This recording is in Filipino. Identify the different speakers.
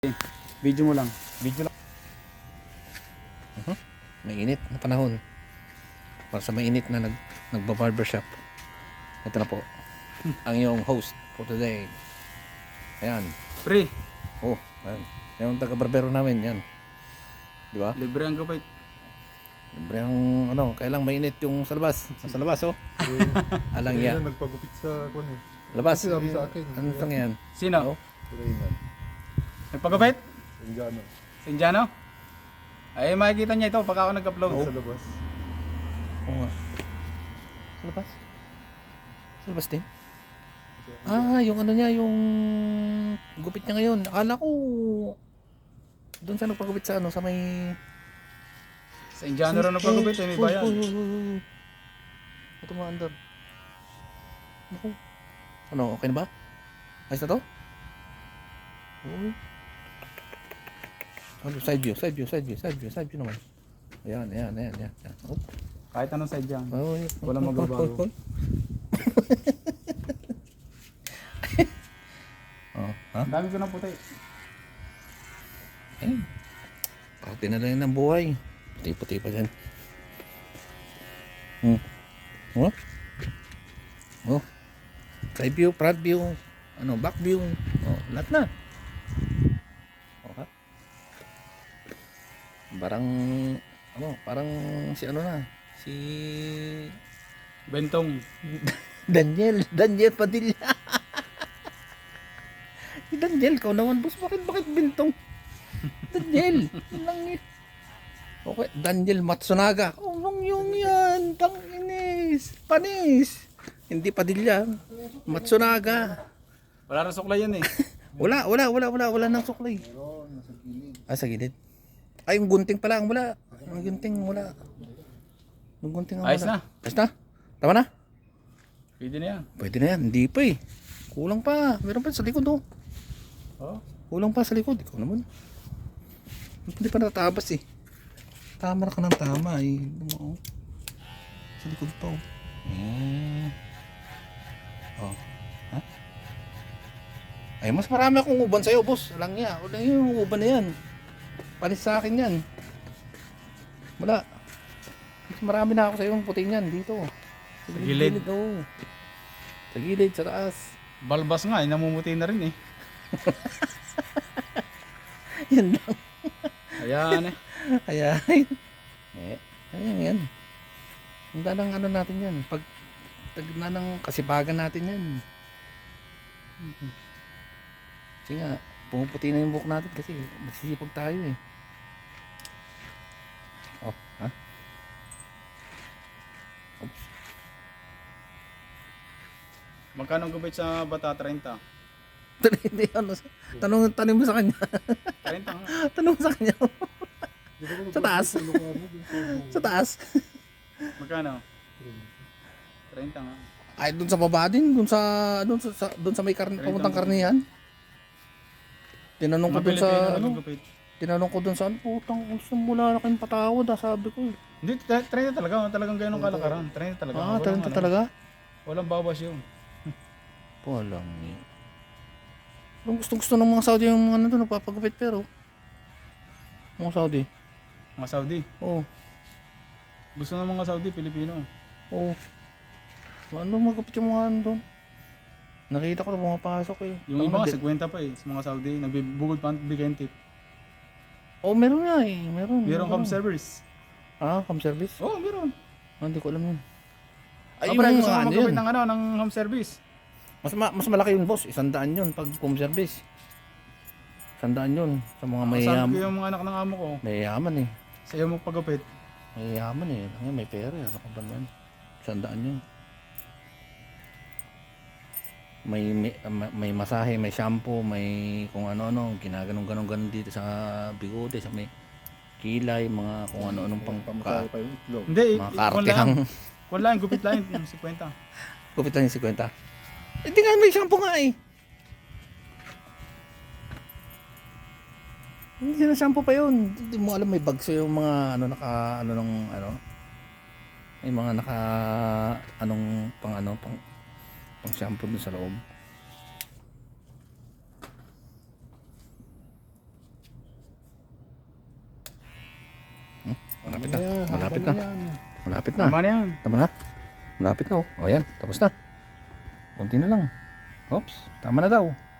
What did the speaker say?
Speaker 1: Video mo lang.
Speaker 2: Video lang. Mainit na panahon. Para sa mainit na nagba-barbershop. Ito na po. Ang iyong host for today. Ayan.
Speaker 1: Pre,
Speaker 2: Oh, ayan. Yung taga-barbero namin, yan. Di ba?
Speaker 1: libre ang gabay.
Speaker 2: Siyempre ang kailang mainit yung sa labas. Sa labas, oh. Alang yan.
Speaker 3: Nagpagupit sa kwan eh.
Speaker 2: Labas.
Speaker 3: Sabi sa akin.
Speaker 2: Ano tang yan?
Speaker 1: Sino?
Speaker 2: Oh.
Speaker 3: Reynan.
Speaker 1: Nagpagabait?
Speaker 3: Indiano.
Speaker 1: Si Indiano? Ay, makikita niya ito pag ako nag-upload.
Speaker 3: Sa labas.
Speaker 2: Oo nga. Sa labas? Sa labas din? Ah, yung ano niya, yung gupit niya ngayon. Akala ko doon siya nagpagupit sa sa may...
Speaker 1: Sa Indiano rin nagpagabait, may bayan.
Speaker 2: Ito mga andar. Naku. Ano, okay na ba? Ayos na to? Oo. Ano, side view naman. Ayan. Oh.
Speaker 1: Kahit anong side yan.
Speaker 2: Oh,
Speaker 1: Walang magbabago.
Speaker 2: Oh, ha?
Speaker 1: Ang dami ko ng puti.
Speaker 2: Eh. Parte na lang ng buhay. Puti-puti pa dyan. Oh. Oh. Side view, front view, back view. Oh, lahat na. Okay. Parang si si
Speaker 1: Bentong.
Speaker 2: Daniel Padilla. Si Daniel, kau naman boss, bakit bintong? Daniel, langit. Okay, Daniel Matsunaga. Yung yan, tanginis, panis. Hindi Padilla, Matsunaga.
Speaker 1: Wala rin suklay yan eh.
Speaker 2: Wala nang suklay. Ah, sa gilid. Ay, yung gunting pala ang wala. Yung gunting wala. Yung gunting ang wala.
Speaker 1: Ayos na.
Speaker 2: Ayos na? Tama na?
Speaker 1: Pwede na yan.
Speaker 2: Pwede na yan. Hindi pa eh. Kulang pa. Meron pa sa likod oh.
Speaker 1: Oh.
Speaker 2: Kulang pa sa likod. Ikaw naman. Hindi pa natabas eh. Tama na ka ng tama eh. Oh. Sa likod pa oh. Oh. Ha? Ay, mas marami akong uban sa'yo, boss. Alang niya. Wala yung uban na yan. Panis sa akin yan. Wala. Mas marami na ako sa'yo yung puting yan. Dito.
Speaker 1: Sa gilid.
Speaker 2: Oh. Sa gilid, sa taas.
Speaker 1: Balbas nga, namumuti na rin eh.
Speaker 2: Yan lang.
Speaker 1: Ayan eh.
Speaker 2: Ayan. Ayan yan. Ang dalang natin yan. Pag tagna ng kasipagan natin yan. Kasi nga, pumuputi na yung buhok natin kasi masisipag tayo eh. Oh, ha? Oops.
Speaker 1: Magkano ang gabay sa bata? 30?
Speaker 2: Hindi, tanong mo sa kanya.
Speaker 1: 30 nga.
Speaker 2: Tanong mo sa kanya. Sa taas. Sa taas.
Speaker 1: Magkano? 30 nga.
Speaker 2: Ay, doon sa baba din, doon sa may pamuntang karnihan. Tinanong ko doon sa tinanong ko doon sa putang gusto mo wala na kayong patawad, sabi ko.
Speaker 1: Hindi, 30 talaga. Talagang ganyan kalakaran. 30 talaga.
Speaker 2: Ah, 30 talaga?
Speaker 1: Walang bawas yun.
Speaker 2: Walang eh. Ang gusto ng mga Saudi yung mga doon, nagpapagupit pero. Mga Saudi.
Speaker 1: Mga Saudi.
Speaker 2: Oo.
Speaker 1: Gusto ng mga Saudi, Pilipino.
Speaker 2: Oo. Ano magupit yung mga doon? Nakita ko na pumapasok eh.
Speaker 1: Yung iba nga, 50 pa eh. Sa mga Saudi, nagbibugod pa ang bigyan tip.
Speaker 2: Oh, meron nga eh.
Speaker 1: Meron cam service.
Speaker 2: Ah, cam service?
Speaker 1: Oo, meron.
Speaker 2: Ah, hindi ko alam yun.
Speaker 1: Ay, yung gusto mo magkapit ng home service.
Speaker 2: Mas malaki yun, boss. 100 yun pag home service. 100 yun sa mga mayayaman.
Speaker 1: Sabi ko yung mga anak ng amo ko.
Speaker 2: Mayayaman eh.
Speaker 1: Sa'yo mo pagkapit.
Speaker 2: Mayayaman eh. May pera eh. Ano ka ba yan? 100 yun. May masahe, may shampoo, may kung ano-ano, ginaganong-ganon dito sa bigode, sa may kilay, mga kung ano-anong
Speaker 3: Pamasahe pa yung itlog.
Speaker 1: Hindi,
Speaker 2: mga kartehang.
Speaker 1: kung lang, gupit lang yung 50.
Speaker 2: Gupit lang yung 50. Hindi nga may shampoo nga eh. Hindi na shampoo pa yun. Hindi mo alam may bags yung mga may mga pang shampoo dun sa loob. Malapit na.
Speaker 3: Yan,
Speaker 2: Malapit
Speaker 3: haba
Speaker 2: na.
Speaker 3: yan.
Speaker 2: Malapit na.
Speaker 1: Tama na yan.
Speaker 2: Tama na. Malapit na oh. O yan, tapos na. Kunti na lang. Oops, tama na daw.